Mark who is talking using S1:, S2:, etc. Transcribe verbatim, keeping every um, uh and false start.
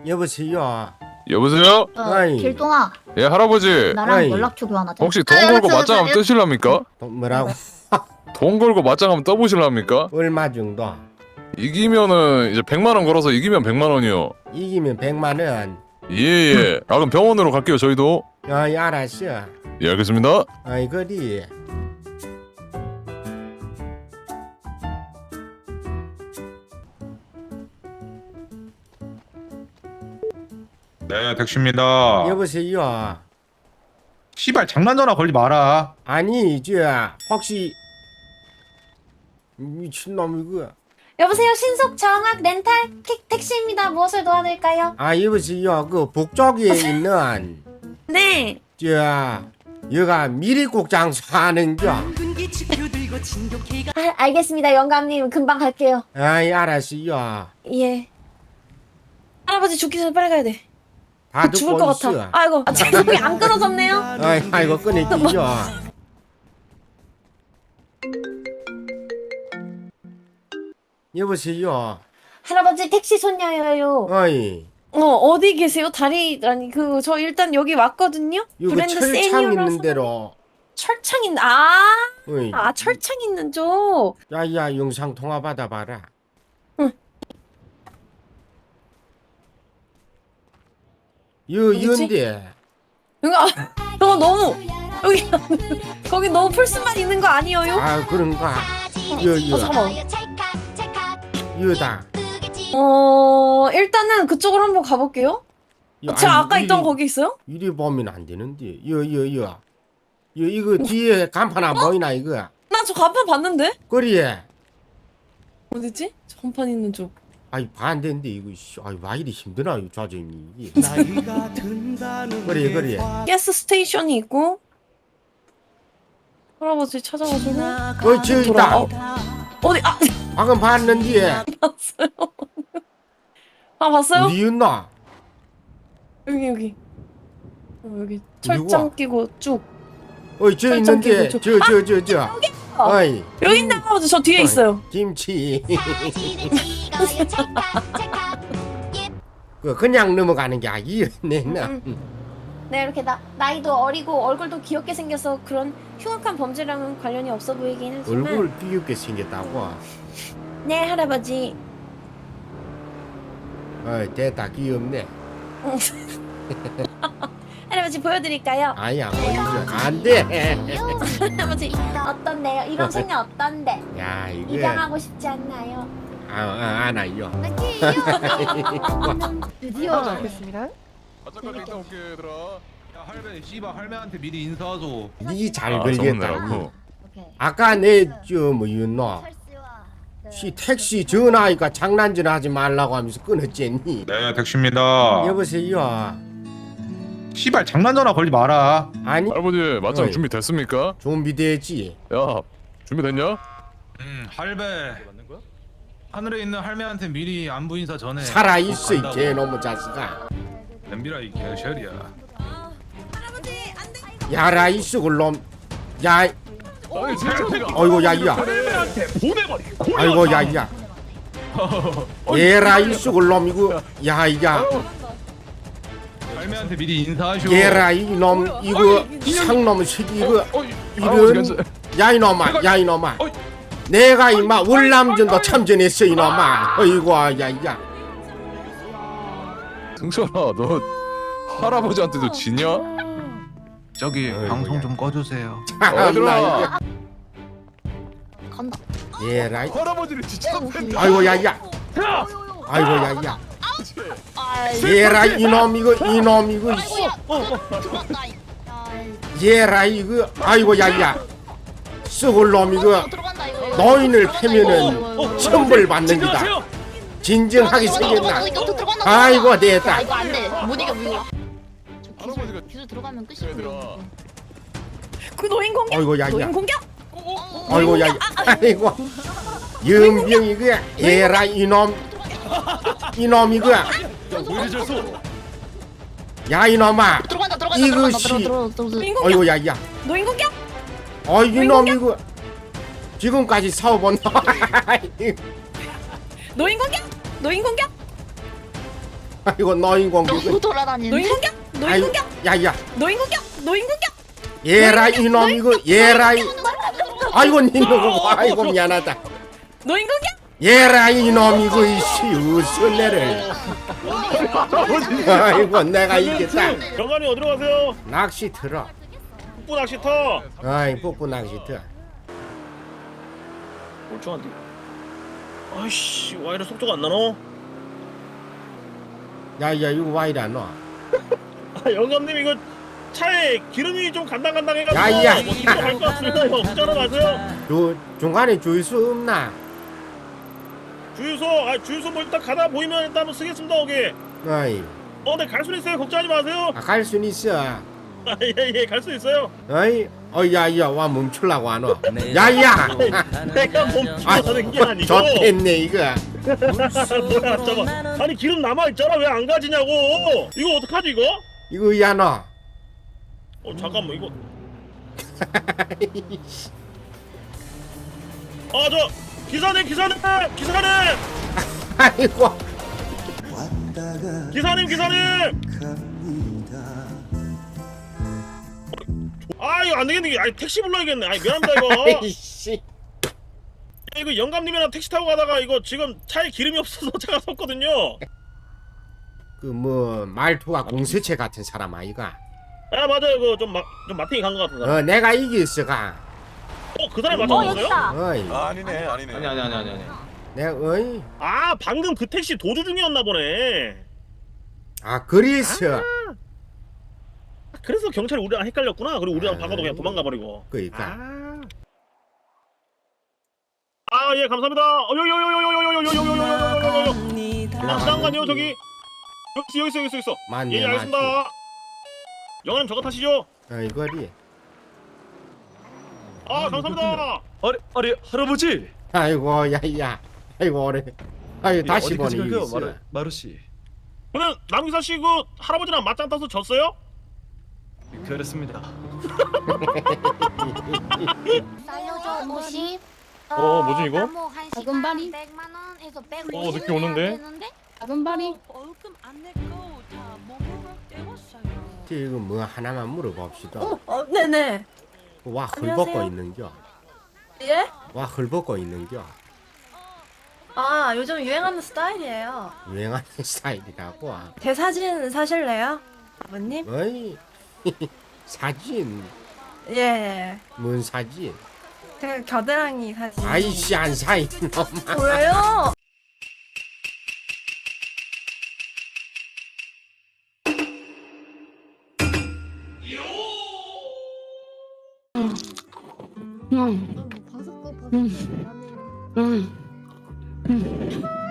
S1: 여보세요.
S2: 여보세요?
S3: 어,
S1: 아이.
S3: 길동아,
S2: 예, 할아버지.
S3: 나랑
S1: 아이.
S3: 연락처 교환하자.
S2: 혹시 돈
S3: 아,
S2: 걸고
S3: 맞아,
S2: 맞짱 한번
S3: 맞아.
S2: 뜨실랍니까?
S1: 또 뭐라고?
S2: 돈 걸고 맞짱 한번 떠보실랍니까?
S1: 얼마 정도?
S2: 이기면은 이제 백만 원 걸어서 이기면 백만 원이요.
S1: 이기면 백만 원.
S2: 예예. 아 그럼 병원으로 갈게요 저희도.
S1: 어이 알았어.
S2: 예 알겠습니다.
S1: 어이 그리.
S4: 네, 택시입니다.
S1: 여보세요.
S4: 씨발 장난 전화 걸지 마라.
S1: 아니 저 혹시 미친놈 이거.
S3: 여보세요, 신속 정학 렌탈 택, 택시입니다. 무엇을 도와드릴까요?
S1: 아 여보세요. 그 북쪽에 있는
S3: 네.
S1: 저 여가 미리국 장수하는겨.
S3: 아, 알겠습니다, 영감님. 금방 갈게요.
S1: 아이 알았어요.
S3: 예. 할아버지 죽기 전에 빨리 가야 돼.
S1: 다
S3: 죽을
S1: 듣고
S3: 것
S1: 있어.
S3: 같아. 아이고, 아, 죄송해요. 안 끊어졌네요.
S1: 아이 아이고 끊을게요. 여보세요.
S3: 할아버지 택시 손녀예요.
S1: 어이.
S3: 어, 어디 계세요? 다리 아니 그 저 일단 여기 왔거든요.
S1: 이거
S3: 브랜드
S1: 철창
S3: 세니어라서.
S1: 있는 대로.
S3: 철창 있는 아,
S1: 어이.
S3: 아 철창 있는 쪽.
S1: 야야 영상 통화 받아봐라.
S3: 응.
S1: 여
S3: 어디지?
S1: 연대.
S3: 여기 아, 저거 너무 여기 거기 너무 풀숲만 있는 거 아니에요?
S1: 아 그런가.
S3: 어,
S1: 여여
S3: 잠깐만.
S1: 여다.
S3: 어 일단은 그쪽으로 한번 가볼게요.
S1: 여,
S3: 제가
S1: 아니,
S3: 아까 있던
S1: 이리-
S3: 거기 있어요?
S1: 이리 보면 안 되는데. 여여여. 여 이거 뒤에 간판 안 보이나 이거.
S3: 나 저 간판 봤는데
S1: 그래.
S3: 어디지? 저 간판 있는 쪽.
S1: 아이 반대인데 이거. 씨, 아이 와 이리 힘드나 이 좌정이. 그래 그래.
S3: 가스 스테이션이 있고 할아버지 찾아가지고
S1: 어이 저 있다.
S3: 어, 어디 아
S1: 방금 봤는데.
S3: 봤어요? 아 봤어요?
S1: 어디였나?
S3: 여기 여기 어, 여기 철장 끼고 쭉
S1: 어이 저
S3: 설정
S1: 있는데.
S3: 끼고
S1: 저 저 저 저. 어이.
S3: 여기 있는 할아버지 저 뒤에
S1: 어이,
S3: 있어요.
S1: 김치. 그 그냥 넘어가는 게 아니었네. 나.
S3: 네 이렇게 나, 나이도 어리고 얼굴도 귀엽게 생겨서 그런 흉악한 범죄랑은 관련이 없어 보이긴 하지만
S1: 얼굴 귀엽게 생겼다고.
S3: 네 할아버지
S1: 어이 됐다 귀엽네.
S3: 할아버지 보여드릴까요?
S1: 아야 보이죠. 안돼.
S3: 할아버지 어떤데요? 이런 소녀 어떤데?
S1: 야 이게
S3: 입양하고 싶지 않나요?
S1: 아, 아 안아요.
S3: 드디어
S5: 알겠습니다.
S2: 맞짱까지 이따 올게 얘들아.
S4: 야, 할배, 씨발 할매한테 미리 인사하소.
S1: 니잘
S2: 아,
S1: 걸겠다.
S2: 서운해갖고.
S1: 아까 내저 뭐였노? 시 택시 전화하니까 장난질 하지 말라고 하면서 끊었겠니?
S4: 네, 택시입니다.
S1: 여보세요.
S4: 씨발 장난 전화 걸지 마라.
S1: 아니
S2: 할아버지 맞짱
S1: 어이.
S2: 준비 됐습니까?
S1: 준비됐지.
S2: 야 준비됐냐?
S4: 음, 할배. 하늘에 있는 할매한테 미리 안부 인사 전에
S1: 살아 있어 이
S4: 간다고.
S1: 개놈의 자식아.
S4: 덤비라 이 개셔리야.
S3: 할아버지 안돼
S1: 야라 이 썩을 놈. 야
S2: 아니 진짜 내가.
S1: 어이구 야야. 아이고 야야. 얘라 이 썩을 놈 이거. 야야.
S4: 할매한테 미리 인사하쇼.
S1: 얘라 이놈 이거 상놈 새끼 이거 이런 야 이놈아 야 이놈아 내가 이마 월남전도 참전했어 이놈아 어이구 야야
S2: 승철아 너 할아버지한테도 지냐?
S4: 저기
S1: 어이구,
S4: 방송
S1: 야.
S4: 좀 꺼주세요.
S2: 얘들아.
S3: 간다.
S1: 얘라
S2: 할아버지를 진짜
S1: 아이고 야야 아이고 야야 얘라 이놈 이거 이놈 이거 얘라 이거 아이고 야야 썩을 놈 이거 노인을 패면은 천벌 받는 기다 진정하게 생겼나 아이고 됐다
S5: 이거 안 돼. 못 이겨, 못 이겨. 저
S2: 할아버지가
S5: 기술, 기술 들어가면 끝이야.
S2: 얘들아.
S3: 그 노인 공격.
S1: 아이고 야야
S3: 노인 공격.
S1: 아이고 야야 아이고 연병 이거 얘라 이놈 이놈 이거 야 이놈아
S5: 들어간다, 들어간다,
S1: 이것이-
S5: 들어간다, 들어간다, 들어간다.
S3: 노인 공격.
S1: 아이고 야야
S3: 노인 공격.
S1: 어 이놈 이거 지금까지 사업은
S3: 노인 공격. 노인 공격.
S1: 아이고 노인 공격.
S5: 너무 돌아다니는데.
S3: 노인 공격? 노인
S1: 아이,
S3: 공격?
S1: 야야.
S3: 노인 공격? 노인 공격?
S1: 얘라 이놈 이거 얘라 이. 아이고 니 누구? 아이고 미안하다.
S3: 노인 공격?
S1: 얘라 이놈 이거 이씨 웃을래를. 아이고 내가 이겼다.
S6: 경관이 어디로 가세요?
S1: 낚시 틀어.
S6: 북부 낚시터.
S1: 아이 뽀뽀 낚시 틀어.
S6: 멀쩡한데. 아이씨, 와 이래 속도가 안 나노?
S1: 야야 이거 와 이래 안 와.
S6: 아, 영감님 이거 차에 기름이 좀 간당간당해가지고
S1: 야야.
S6: 뭐 힘도 갈것 같습니다. 이거 운전하러 가세요.
S1: 저 중간에 주유소 없나?
S6: 주유소, 아 주유소 뭐 일단 가다 보이면 일단 한번 쓰겠습니다. 오게.
S1: 어이
S6: 어, 네, 갈 수 있어요. 걱정하지 마세요.
S1: 아, 갈 순 있어.
S6: 아, 예, 예, 갈 수 있어요.
S1: 어이 어 야야 와 멈출라고 안 와. 야야.
S6: 내가 멈추라는 게 아니고.
S1: 좋겠네 이거.
S6: 뭐야, 잠깐. 아니 기름 남아 있잖아. 왜 안 가지냐고. 이거 어떡하지 이거?
S1: 이거 야 너.
S6: 어, 잠깐만 이거. 아, 저 기사님, 기사님, 기사님,
S1: 아이고.
S6: 기사님, 기사님. 아, 이거 안 되겠네. 아니 택시 불러야겠네. 아니 미안합니다 이거.
S1: 아이씨.
S6: 이거 영감님이랑 택시 타고 가다가 이거 지금 차에 기름이 없어서 제가 섰거든요.
S1: 그 뭐 말투가 공세체 같은 사람 아이가.
S6: 아, 맞아요. 그좀 좀 마탱이 간 것 같은 사람.
S1: 어 내가 이겼어가.
S6: 어, 그 사람이
S3: 어
S6: 맞췄어요?
S3: 여기다.
S1: 어이.
S2: 아니네 아니네.
S7: 아니 아니 아니 아니 아니.
S1: 내가 어이.
S6: 아, 방금 그 택시 도주 중이었나 보네.
S1: 아 그래서
S6: 그래서 경찰이 우리랑 헷갈렸구나. 그리고 우리랑
S1: 아.
S6: 바꿔도 그냥 도망가 버리고.
S1: 그니까.
S6: 아, 아, 예, 감사합니다. 어, 요요요요요요요요요요요요요요요. 아, 잠깐만요, 저기. 여기 있어, 여기 있어, 여기 있어.
S1: 맞네
S6: 예,
S1: 맞지.
S6: 알겠습니다. 영화님 저거 타시죠.
S1: 어이 거리.
S6: 아, 감사합니다.
S7: 아니 아니 할아버지.
S1: 아이고 야야. 아이고 오래. 아이 다시 보니
S7: 가요
S1: 이겼어.
S7: 마루 마루 씨.
S6: 근데 남기사 씨 그 할아버지랑 맞짱 떠서 졌어요?
S7: 그렇습니다.
S5: 살려줘 오십.
S6: 어, 뭐지, 이거?
S5: 작은 발이.
S8: 백만 원에서 백
S6: 어, 느낌 오는데?
S5: 작은 발이.
S8: 월급 안 내고 다 먹으러 때웠어요.
S1: 이거 뭐 하나만 물어봅시다.
S3: 어, 어 네네.
S1: 와
S3: 안녕하세요.
S1: 헐벗고 있는겨.
S3: 예?
S1: 와 헐벗고 있는겨.
S3: 아 요즘 유행하는 스타일이에요.
S1: 유행하는 스타일이라고.
S3: 제 사진 사실래요? 아버님?
S1: 어이. 사진.
S3: 예.
S1: 뭔 사진?
S3: 제 겨드랑이 사진.
S1: 아이씨 안 사 이놈아.
S3: 왜요?
S5: 응. 응. 응. 응.